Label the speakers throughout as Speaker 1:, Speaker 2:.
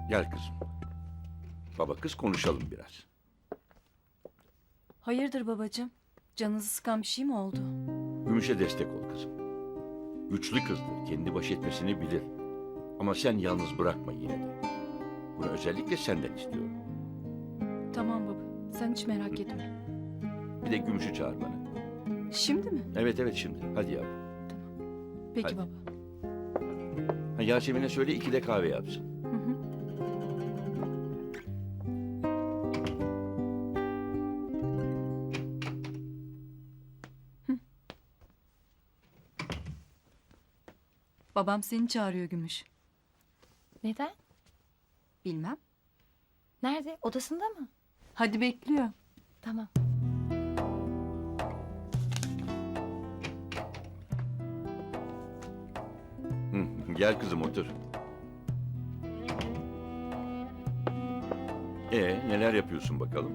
Speaker 1: Gel kızım. Baba kız konuşalım biraz.
Speaker 2: Hayırdır babacığım? Canınızı sıkan bir şey mi oldu?
Speaker 1: Gümüş'e destek ol kızım. Güçlü kızdır, kendi baş etmesini bilir. Ama sen yalnız bırakma yine de. Bunu özellikle senden istiyorum.
Speaker 2: Tamam baba. Sen hiç merak etme.
Speaker 1: Bir de Gümüş'ü çağır bana.
Speaker 2: Şimdi mi?
Speaker 1: Evet şimdi. Hadi yavrum.
Speaker 2: Peki
Speaker 1: Hadi.
Speaker 2: baba.
Speaker 1: Ha, Yasemin'e söyle 2 de kahve yapsın.
Speaker 2: Hı hı. Babam seni çağırıyor Gümüş.
Speaker 3: Neden?
Speaker 2: Bilmem.
Speaker 3: Nerede? Odasında mı?
Speaker 2: Hadi bekliyor.
Speaker 3: Tamam.
Speaker 1: Gel kızım otur. Neler yapıyorsun bakalım?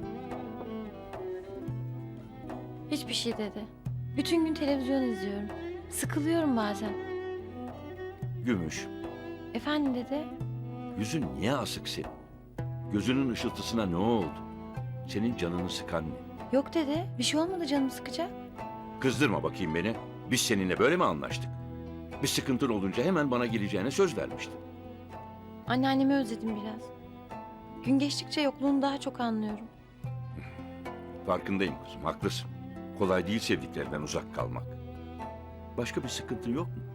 Speaker 3: Hiçbir şey dedi. Bütün gün televizyon izliyorum. Sıkılıyorum bazen.
Speaker 1: Gümüş,
Speaker 3: Efendim dede?
Speaker 1: yüzün niye asık senin? Gözünün ışıltısına ne oldu? Senin canını sıkan ne?
Speaker 3: Yok dede. Bir şey olmadı canım sıkacak.
Speaker 1: Kızdırma bakayım beni. Biz seninle böyle mi anlaştık? Bir sıkıntın olunca hemen bana geleceğine söz vermiştin.
Speaker 3: Anneannemi özledim biraz. Gün geçtikçe yokluğunu daha çok anlıyorum.
Speaker 1: Farkındayım kızım, haklısın. Kolay değil sevdiklerinden uzak kalmak. Başka bir sıkıntın yok mu?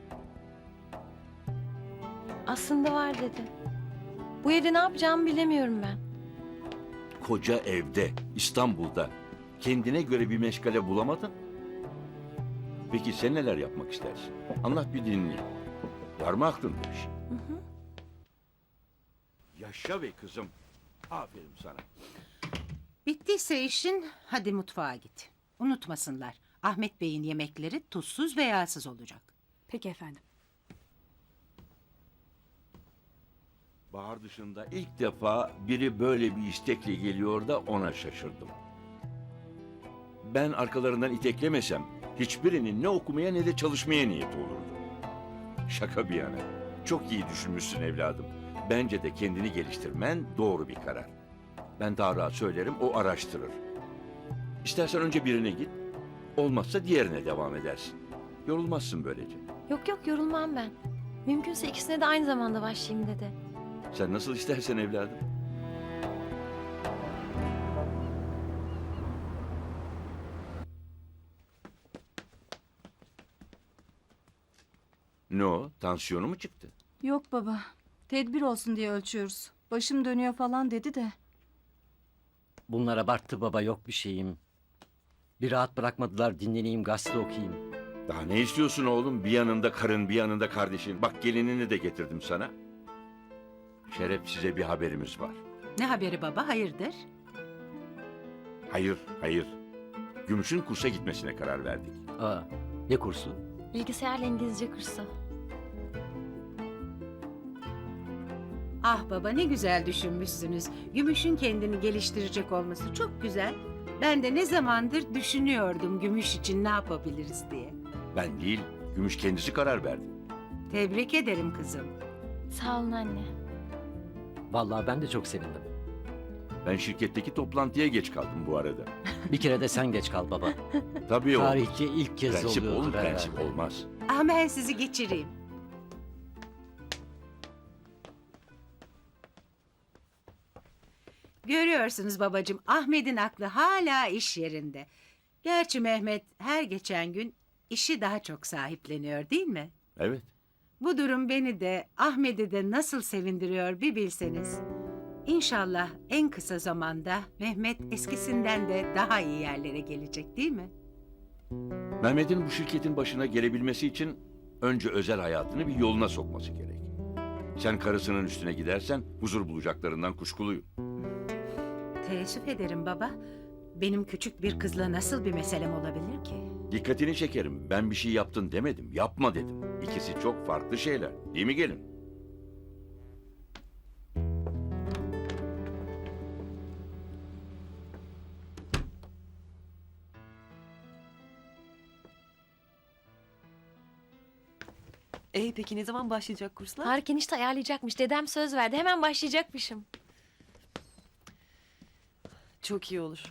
Speaker 3: Aslında var dede. Bu evde ne yapacağımı bilemiyorum ben.
Speaker 1: Koca evde, İstanbul'da kendine göre bir meşgale bulamadın. Peki sen neler yapmak istersin? Anlat bir dinleyeyim. Var mı aklında bir şey? Yaşa be kızım. Aferin sana.
Speaker 4: Bittiyse işin, hadi mutfağa git. Unutmasınlar, Ahmet Bey'in yemekleri tuzsuz ve yağsız olacak.
Speaker 2: Peki efendim.
Speaker 1: Bahar dışında ilk defa biri böyle bir istekle geliyor da ona şaşırdım. Ben arkalarından iteklemesem hiçbirinin ne okumaya ne de çalışmaya niyeti olurdu. Şaka bir yana. Çok iyi düşünmüşsün evladım. Bence de kendini geliştirmen doğru bir karar. Ben daha rahat söylerim, o araştırır. İstersen önce birine git, olmazsa diğerine devam edersin. Yorulmazsın böylece.
Speaker 3: Yok yok yorulmam ben. Mümkünse ikisine de aynı zamanda başlayayım dede.
Speaker 1: Sen nasıl istersen evladım. Ne o? Tansiyonu mu çıktı?
Speaker 2: Yok baba. Tedbir olsun diye ölçüyoruz. Başım dönüyor falan dedi de.
Speaker 5: Bunlar abarttı baba, yok bir şeyim. Bir rahat bırakmadılar, dinleneyim, gazete okuyayım.
Speaker 1: Daha ne istiyorsun oğlum? Bir yanında karın, bir yanında kardeşin. Bak gelinini de getirdim sana. Şeref, size bir haberimiz var.
Speaker 4: Ne haberi baba, hayırdır?
Speaker 1: Hayır. Gümüş'ün kursa gitmesine karar verdik.
Speaker 5: Aa, ne kursu?
Speaker 3: Bilgisayarla İngilizce kursu.
Speaker 4: Ah baba, ne güzel düşünmüşsünüz. Gümüş'ün kendini geliştirecek olması çok güzel. Ben de ne zamandır düşünüyordum Gümüş için ne yapabiliriz diye.
Speaker 1: Ben değil, Gümüş kendisi karar verdi.
Speaker 4: Tebrik ederim kızım.
Speaker 3: Sağ olun anne.
Speaker 5: Vallahi ben de çok sevindim.
Speaker 1: Ben şirketteki toplantıya geç kaldım bu arada.
Speaker 5: Bir kere de sen geç kal baba.
Speaker 1: Tabii oğlum.
Speaker 5: Tarihçi ilk kez
Speaker 1: Prensip
Speaker 5: oluyordur
Speaker 1: oğlum,
Speaker 5: herhalde.
Speaker 1: prensip olmaz.
Speaker 4: Ah, ben sizi geçireyim. Görüyorsunuz babacığım, Ahmet'in aklı hala iş yerinde. Gerçi Mehmet her geçen gün işi daha çok sahipleniyor değil mi?
Speaker 1: Evet.
Speaker 4: Bu durum beni de Ahmet'i de nasıl sevindiriyor bir bilseniz. İnşallah en kısa zamanda Mehmet eskisinden de daha iyi yerlere gelecek değil mi?
Speaker 1: Mehmet'in bu şirketin başına gelebilmesi için önce özel hayatını bir yoluna sokması gerek. Sen karısının üstüne gidersen huzur bulacaklarından kuşkuluyum.
Speaker 4: Teessüf ederim baba. Benim küçük bir kızla nasıl bir meselem olabilir ki?
Speaker 1: Dikkatini çekerim. Ben bir şey yaptın demedim. Yapma dedim. İkisi çok farklı şeyler. Değil mi gelin?
Speaker 6: Peki ne zaman başlayacak kurslar?
Speaker 3: Tarık enişte ayarlayacakmış. Dedem söz verdi. Hemen başlayacakmışım.
Speaker 6: Çok iyi olur.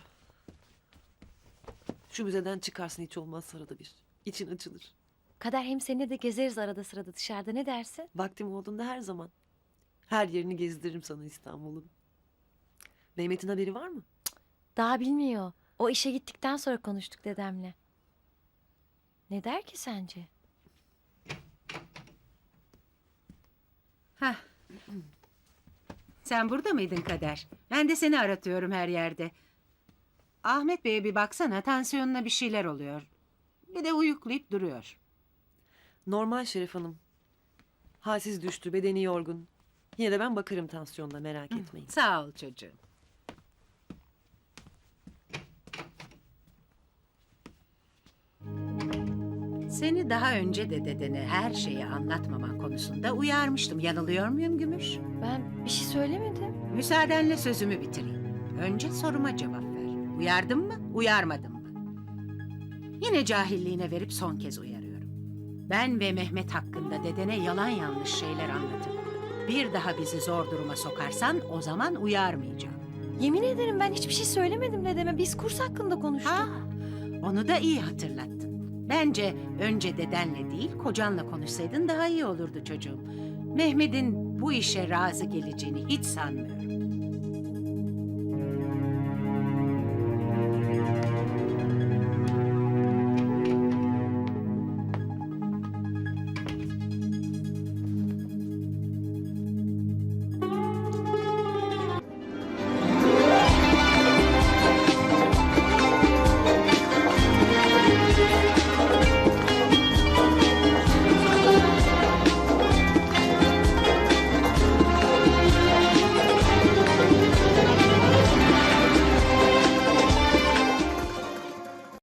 Speaker 6: Şu müzeden çıkarsın hiç olmazsa arada bir. İçin açılır.
Speaker 3: Kader hem seninle de gezeriz arada sırada dışarıda. Ne dersin?
Speaker 6: Vaktim olduğunda her zaman. Her yerini gezdiririm sana İstanbul'un. Mehmet'in haberi var mı?
Speaker 3: Daha bilmiyor. O işe gittikten sonra konuştuk dedemle. Ne der ki sence?
Speaker 4: Hah. Sen burada mıydın Kader? Ben de seni aratıyorum her yerde. Ahmet Bey'e bir baksana, tansiyonuna bir şeyler oluyor. Bir de uyuklayıp duruyor.
Speaker 6: Normal Şeref Hanım. Halsiz düştü, bedeni yorgun. Yine de ben bakarım tansiyonuna, merak etmeyin.
Speaker 4: Sağ ol çocuğum. Seni daha önce de dedene her şeyi anlatmaman konusunda uyarmıştım. Yanılıyor muyum Gümüş?
Speaker 3: Ben bir şey söylemedim.
Speaker 4: Müsaadenle sözümü bitireyim. Önce soruma cevap ver. Uyardım mı, uyarmadım mı? Yine cahilliğine verip son kez uyarıyorum. Ben ve Mehmet hakkında dedene yalan yanlış şeyler anlatıp bir daha bizi zor duruma sokarsan o zaman uyarmayacağım.
Speaker 3: Yemin ederim ben hiçbir şey söylemedim dedeme. Biz kurs hakkında konuştuk.
Speaker 4: Ha, onu da iyi hatırlattın. Bence önce dedenle değil kocanla konuşsaydın daha iyi olurdu çocuğum. Mehmet'in bu işe razı geleceğini hiç sanmıyorum.